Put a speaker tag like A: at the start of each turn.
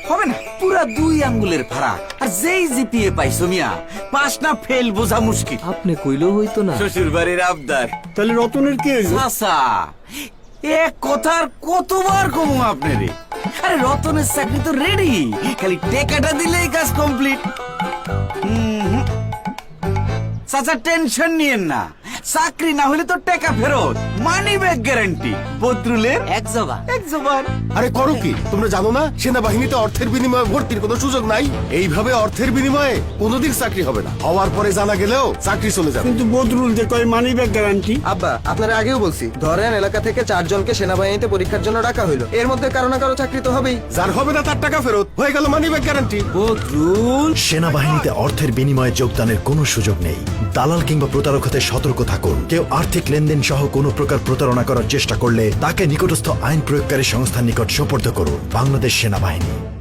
A: হবে না, পুরা 2 আঙ্গুলের ফারাক। আর যেই জিপিএ পাইছো মিয়া, পাস না ফেল বোঝা মুশকিল।
B: আপনি কইলেও হইতো না।
A: শ্বশুর বাড়ির আবদার।
C: তাহলে রতনের কি হইলো?
A: চাচা, এক কথার কতবার কমু আপনারে? আরে রতনের চাকরি তো রেডি, খালি টেকাটা দিলেই কাজ কমপ্লিট। চাচা টেনশন নিয়েন না, চাকরি না হলে তো টাকা ফেরত, মানি ব্যাক গ্যারান্টি। বদরুলের এক জবান।
D: আরে করো কি, তোমরা জানো না সেনাবাহিনীতে অর্থের বিনিময়ে ভর্তির কোনো সুযোগ নাই? এইভাবে অর্থের বিনিময়ে কোনোদিন চাকরি হবে না, হওয়ার পরে জানা গেলেও চাকরি চলে যাবে।
C: কিন্তু বদরুল যে কয় মানি ব্যাক গ্যারান্টি।
E: আব্বা, আপনারা আগেও বলছি, ধরেন এলাকা থেকে 4 জনকে সেনাবাহিনীতে পরীক্ষার জন্য ডাকা হইলো, এর মধ্যে কারো না কারো চাকরি তো হবেই।
D: যার হবে না তার টাকা ফেরত, হয়ে গেল মানি ব্যাক গ্যারান্টি।
A: বদরুল,
F: সেনাবাহিনীতে অর্থের বিনিময়ে যোগদানের কোনো সুযোগ নেই। দালাল কিংবা প্রতারক হতে সতর্ক থাকুন। কেউ আর্থিক লেনদেন সহ কোনো প্রকার প্রতারণা করার চেষ্টা করলে তাকে নিকটস্থ আইন প্রয়োগকারী সংস্থার নিকট সোপর্দ করুন। বাংলাদেশ সেনাবাহিনী।